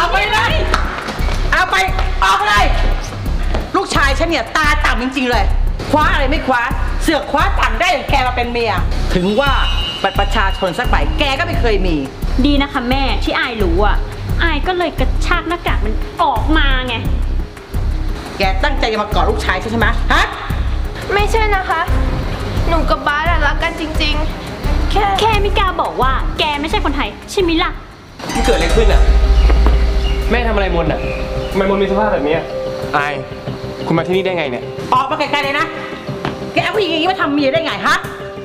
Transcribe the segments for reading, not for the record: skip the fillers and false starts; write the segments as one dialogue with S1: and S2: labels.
S1: อกไปเลยเอาไปออกเลยลูกชายฉันเนี่ยตาต่ำจริงๆเลยคว้าอะไรไม่คว้าเสือกคว้าต่ำได้อย่างแกมาเป็นเมียถึงว่าบัตรประชาชนสักใบแกก็ไม่เคยมี
S2: ดีนะคะแม่ที่อายรู้อ่ะอายก็เลยกระชากหน้ากากมันออกมาไง
S1: แกตั้งใจจะมากอดลูกชายใช่ไหมฮะ
S3: ไม่ใช่นะคะหนูกับบาสรักกันจริงๆแค่
S2: ไม่กล้าบอกว่าแกไม่ใช่คนไทยใช่ไหมล่ะ
S4: มันเกิดอะไรขึ้นอ่ะแม่ทำอะไรมนอ่ะทำไมมนมีสภาพแบบนี้อายคุณมาที่นี่ได้ไงเนี่ย
S1: ออกมาไกลๆเลยนะแกเอาผู้หญิงอย่างนี้มาทำเมียได้ไงฮะ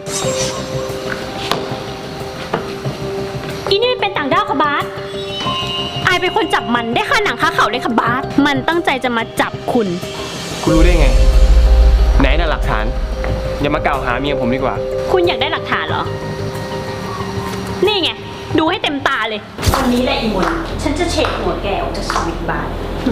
S2: อีนี่เป็นต่างด้าวค่ะบาสอายเป็นคนจับมันได้ค่าหนังค่าเขาเลยค่ะบาสมันตั้งใจจะมาจับคุณ
S4: รู้ได้ไงไหนน่ะหลักฐานอย่ามากล่าวหาเมียผมดีกว่า
S2: คุณอยากได้หลักฐานเหรอนี่ไงดูให้เต็มตาเลยตอนนี้แหละอีมนฉันจะเช็คหัวแกออกจากชีวิตบาส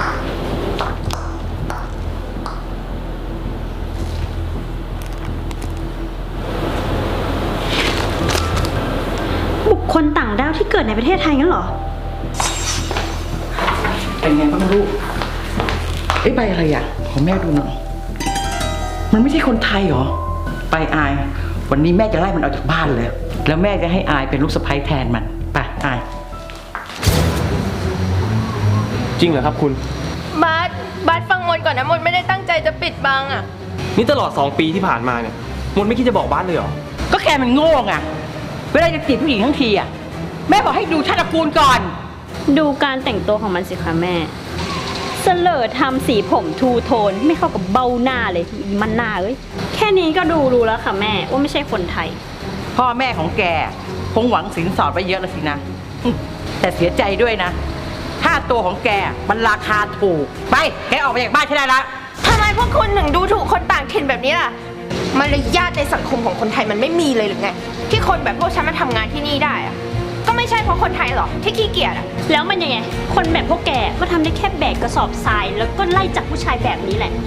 S2: บุคคลต่างด้าวที่เกิดในประเทศไทยงั้นเหรอ
S1: เป็นไงบ้างลูกใบอะไรอ่ะขอแม่ดูหน่อยมันไม่ใช่คนไทยเหรอไปอายวันนี้แม่จะไล่มันออกจากบ้านเลยแล้วแม่จะให้อายเป็นลูกสะใภ้แทนมันไปอาย
S4: จริงเหรอครับคุณ
S3: บาสฟังมนก่อนนะมนไม่ได้ตั้งใจจะปิดบังอ่ะ
S4: นี่ตลอด2 ปีที่ผ่านมาเนี่ยมนไม่คิดจะบอกบ้านเลยเหรอ
S1: ก็แกมันโง่ไงเวลาจะจีบผู้หญิงทั้งทีอ่ะแม่บอกให้ดูชาติตระกูลก่อน
S2: ดูการแต่งตัวของมันสิคะแม่เสลอทำสีผมทูโทนไม่เข้ากับเบ้าหน้าเลยมันหน้าเอ้ยแค่นี้ก็รู้แล้วค่ะแม่ว่าไม่ใช่คนไทย
S1: พ่อแม่ของแกคงหวังสินสอดไว้เยอะแล้วสินะแต่เสียใจด้วยนะค่าตัวของแกมันราคาถูกไปแกออกไปจากบ้านฉันได้ละ
S3: ทำไมพวกคุณถึงดูถูกคนต่างถิ่นแบบนี้ล่ะมารยาทในสังคมของคนไทยมันไม่มีเลยหรือไงที่คนแบบพวกฉันมาทำงานที่นี่ได้อะก็ไม่ใช่เพราะคนไทยหรอกที่ขี้เกียจอะ
S2: แล้วมันยังไงคนแบบพวกแกก็ทำได้แค่แบกกระสอบทรายแล้วก็ไล่จับผู้ชายแบบนี้แหละ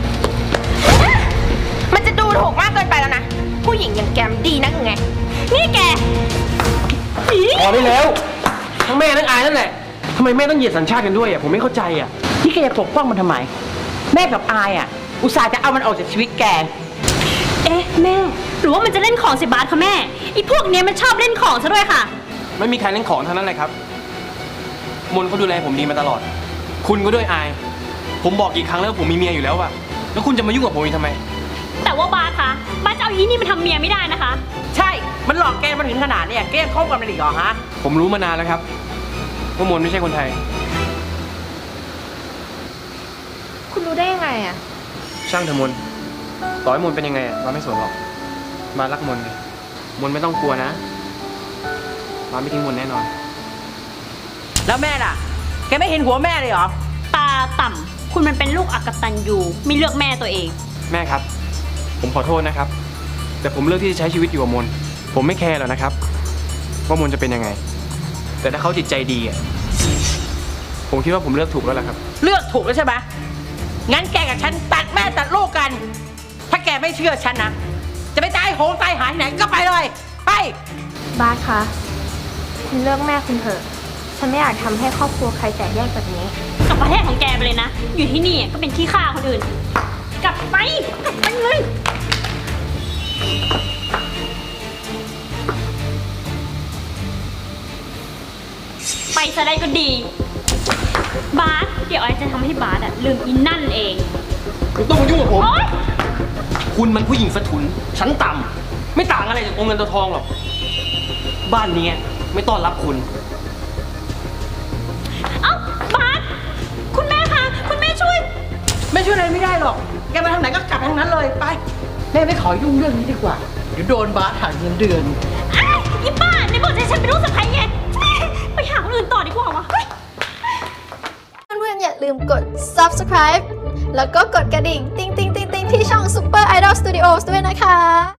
S3: มันจะดูถูกมากเกินไปแล้วนะผู้หญิงอย่างแกมดีนักไง
S2: นี่แก
S4: พอได้แล้วทั้งแม่ทั้งอายนั่นแหละทำไมแม่ต้องเหยียดสัญชาติกันด้วยอ่ะผมไม่เข้าใจอ่ะ
S1: นี่แกจะปกป้องมันทำไมแม่กับอายอ่ะอุตส่าห์จะเอามันออกจากชีวิตแก
S2: แม่หรือว่ามันจะเล่นของสิบาทคะแม่ไอ้พวกนี้มันชอบเล่นของซะด้วยค่ะ
S4: ไม่มีใครเล่นของทั้งนั้นเลยครับมนเขาดูแลผมดีมาตลอดคุณก็ด้วยอายผมบอกกี่ครั้งแล้วผมมีเมียอยู่แล้วอะแล้วคุณจะมายุ่งกับผมอีกทำไม
S2: แต่ว่าบาสคะบาสจะเอาอีนี่มาทำเมียไม่ได้นะคะ
S1: ใช่มันหลอกแกมาถึงขนาดนี้แกยังคบกันมันอีกเหรอฮะ
S4: ผมรู้มานานแล้วครับว่ามนไม่ใช่คนไทย
S3: คุณรู้ได้ยังไงอะ
S4: ช่างเถอะมนต่อให้มนเป็นยังไงมาไม่สนหรอกมารักมนเลยมนไม่ต้องกลัวนะมาไม่ทิ้งมนแน่นอน
S1: แล้วแม่ล่ะแกไม่เห็นหัวแม่เลยเหรอ
S2: ตาต่ำคุณมันเป็นลูกอักตันยูไม่เลือกแม่ตัวเอง
S4: แม่ครับผมขอโทษนะครับแต่ผมเลือกที่จะใช้ชีวิตอยู่กับมนผมไม่แคร์หรอกนะครับว่ามนจะเป็นยังไงแต่ถ้าเขาจิตใจดีอ่ะผมคิดว่าผมเลือกถูกแล้วล่ะครับ
S1: เลือกถูกแล้วใช่ไหมงั้นแกกับฉันตัดแม่ตัดลูกกันถ้าแกไม่เชื่อฉันนะจะไปตายโหงตายหายไหนก็ไปเลยไป
S3: บาสคะคุณเลือกแม่คุณเถอะฉันไม่อยากทำให้ครอบครัวใครแตกแยกแบบนี้
S2: กลับประเทศของแกไปเลยนะอยู่ที่นี่ก็เป็นขี้ข้าคนอื่นกลับไปเลยไปซะได้ก็ดีบาสเดี๋ยวไอจะทำให้บาสลืมอินนั่นเอง
S4: ไม่ต้องมายุ่งกับผมคุณมันผู้หญิงสะทุนชั้นต่ำไม่ต่างอะไรจากองค์เงินตัวทองหรอกบ้านนี้ไม่ต้อนรับคุณ
S2: บาสคุณแม่คะคุณแม่ช่วย
S1: อะไรไม่ได้หรอกแกมาทางไหนก็กลับทางนั้นเลยไปแม่ไม่ขอยุ่งเรื่องนี้ดีกว่าเดี๋ยวโดนบาสหักเงินเดือน
S2: อีป้าในบอกให้ฉันเป็นลูกสะใภ้ไงไปหาคนอื่นต่อดีกว่าวะ
S3: เพื่อนๆอย่าลืมกด subscribe แล้วก็กดกระดิ่งติ๊งๆๆๆที่ช่อง Super Idol Studios ด้วยนะคะ